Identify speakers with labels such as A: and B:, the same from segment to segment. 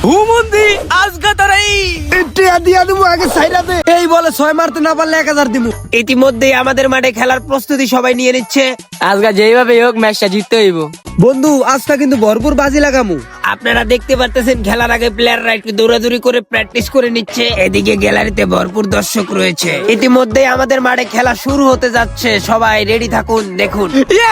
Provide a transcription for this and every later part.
A: হুমন্দি আজকে তোর
B: টিয়া দিয়া দিমু আগে সাইরাতে। এই বলে 6 মারতে না পারলে 1000 দিমু।
A: ইতিমধ্যেই আমাদের মাঠে খেলার প্রস্তুতি সবাই নিয়ে নিচ্ছে।
C: আজকে যেইভাবে হোক ম্যাচটা জিততে হইব।
B: বন্ধু আজকে কিন্তু ভরপুর বাজি লাগামু।
A: আপনারা দেখতে পারতেছেন খেলার আগে প্লেয়াররা একটু দৌড়াদৌড়ি করে প্র্যাকটিস করে নিচ্ছে। এদিকে গ্যালারিতে ভরপুর দর্শক রয়েছে। ইতিমধ্যেই আমাদের মাঠে খেলা শুরু হতে যাচ্ছে, সবাই রেডি থাকুন। দেখুন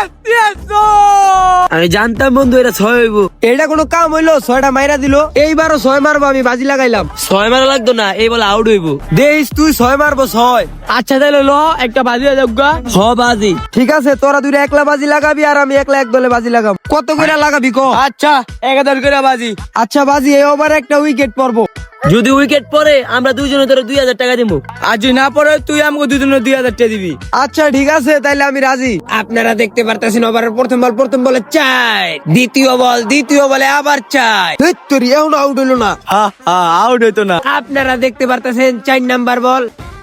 C: আমি জানতাম বন্ধু এটা 6 হইব।
B: এটা কোনো কাম হইলো? 6টা মাইরা দিল। এইবারও 6 মারবো, আমি বাজি লাগাইলাম।
C: 6 মারা লাগতো না, এই বলে আউট হইব।
B: দেইস তুই 6 মারবো 6।
C: আচ্ছা তাহলে ল একটা বাজি হয়ে যাক গা। হ বাজি।
B: ঠিক আছে, তোরা দুইটা একলা বাজি লাগাবি আর আমি একলা এক দলে বাজি লাগাম। কত করে লাগাবি ক?
C: আচ্ছা 1000 করে বাজি।
B: আচ্ছা বাজি, এই ওভারে একটা উইকেট পড়বো।
C: যদি উইকেট পড়ে আমরা দুইজনে তোরে 2000 টাকা দিব। আর যদি না পড়ে তুই আমাকে দুইজনে 2000 টাকা দিবি।
B: আচ্ছা ঠিক আছে, তাইলে আমি রাজি।
A: আপনারা দেখতে পারতেছেন ওভারের প্রথম বলে চাই, দ্বিতীয় বলে আবার চাই।
B: হেৎ তোর এখন আউট হইলো না।
C: আউট হইতো না।
A: আপনারা দেখতে পারতেছেন 4 নাম্বার বল।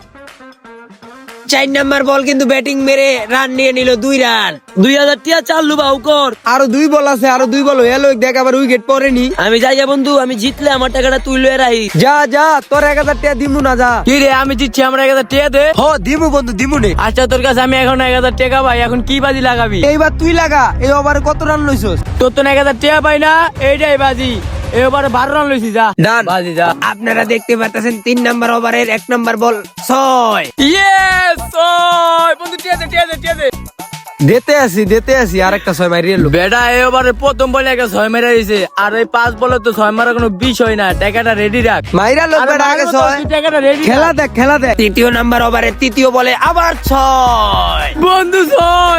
A: 4 নাম্বার বল কিন্তু ব্যাটিং মেরে রান নিয়ে নিল 2 রান।
C: 2000 টাকা চালু বাউ কর।
B: আরো 2 বল আছে, আরো 2 বল হলো। দেখ আবার উইকেট পড়েনি।
C: আমি যাই বন্ধু, আমি জিতলে আমার টাকাটা তুই লয়ে রাখি।
B: যা যা, তোর 1000 টাকা দিমু না, যা।
C: কি রে আমি জিতছি, আমার 1000 টাকা দে।
B: হ দিমু বন্ধু, দিমু নে।
C: আচ্ছা তোর কাছে আমি এখন 1000 টাকা পাই, এখন কি বাজি লাগাবি?
B: এইবার তুই লাগা। এই ওভারে কত রান লইছস?
C: তোর তো 1000 টাকা পাই না, এইটাই বাজি। এবারে 12 রান লইছি, যা
B: ডান।
C: বাজি যা।
A: আপনারা দেখতে পারতেছেন 3 নাম্বার ওভারের 1 নাম্বার বল 6।
C: ইয়েস ওই বন্ধু টিয়া দে।
B: দিতে আসি আর একটা 6 মারি এলো।
C: বেটা এবারে প্রথম বলে একটা 6 মেরে দিয়েছে, আর এই 5 বলে তো 6 মারা কোনো বিষয় না। টাকাটা রেডি রাখ।
B: মাইরা লোক
C: আরে
B: বেটা আগে
C: মারবো তো,
B: 6।
C: তুই টাকাটা ready
B: খেলা
C: রাখ।
B: দেখ, খেলা দেখ।
A: 3 নাম্বার ওভারের 3য় বলে আবার 6।
C: বন্ধু 6।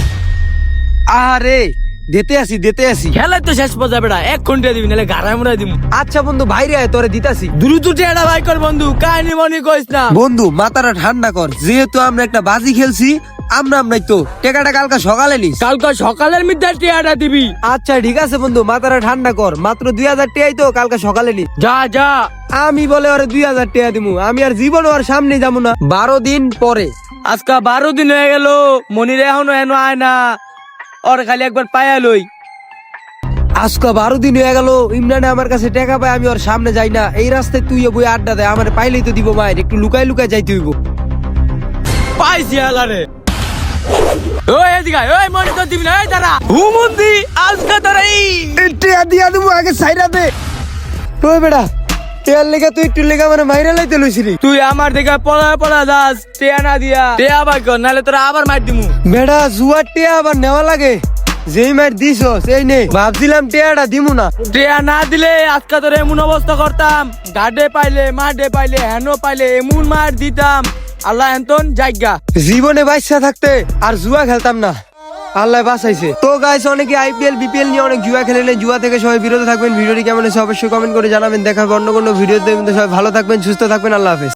B: আরে দিতে আসি।
C: খেলা তো শেষ পর্যায়ে বেটা, 1 ঘন্টা দিবি নাহলে গাড়ায় মুড়াই দিবি।
B: আচ্ছা বন্ধু, বাইরে আয়, তোরে দিতাছি।
C: দ্রুত টেড়া ভাই কর বন্ধু, কাহিনী মনি কইস না।
B: বন্ধু মাথাটা ঠান্ডা কর। যেহেতু আমরা একটা বাজি খেলছি, আমরাই তো টাকাটা কালকে সকালে নিস।
C: কালকে সকালের মধ্যে টেড়া দিবি।
B: আচ্ছা ঠিক আছে বন্ধু, মাথাটা ঠান্ডা কর। মাত্র 2000 টাকাই তো, কালকে সকালে নিস।
C: যা।
B: আমি বলে ওরে 2000 টাকা দিমু। আমি আর জীবন ওর সামনে যাবো না। 12 দিন পরে।
C: আজকে 12 দিন হয়ে গেল, মনির এখনো এনো আয় না। ওর খালি একবার পায়া লই।
B: আজকে 12 দিন হয়ে গেল, ইমরানে আমার কাছে টাকা পায়, আমি ওর সামনে যাই না। এই রাস্তায় তুই বই আড্ডা দেয়, আমার পাইলেই তো দিব। মায়ের একটু লুকাই যাইতে হইব।
C: পাইছি আলারে। ওই এদিকে আয়, ওই মনি তো দিবি না, এই দাঁড়া।
A: হুমন্দি আজকে তোর
B: টাকা দিয়া দিমু আগে সাইরাতে। ওই বেটা, টেয়ার লেগে তুই একটু লেগে মানে মাইরা লাইতে লইছিলি।
C: তুই আমার দিকে পলা যাস, টেয়া না দিয়া টেয়া ভাই কর, নাহলে তোরা আবার মার দিমু।
B: বেটা জুয়ার টেয়া আবার নেওয়া লাগে। যেই মার দিছস এই নে। ভাবছিলাম টেয়াটা দিমু না।
C: টেয়া না দিলে আজকে তোর এমন অবস্থা করতাম, গাডে পাইলে মাঠে পাইলে হেনো পাইলে এমন মার দিতাম। আল্লাহ এন্তন জায়গা।
B: জীবনে বাচ্চা থাকতে আর জুয়া খেলতাম না, আল্লাহ বাঁচাইছে। তো গাইস, অনেকে আইপিএল বিপিএল নিয়ে অনেক জুয়া খেলেন। জুয়া থেকে সবাই বিরত থাকবেন। ভিডিওটি কেমন হয়েছে অবশ্যই কমেন্ট করে জানাবেন। দেখা হবে অন্য কোনো ভিডিওতে। সবাই ভালো থাকবেন, সুস্থ থাকবেন। আল্লাহ হাফেজ।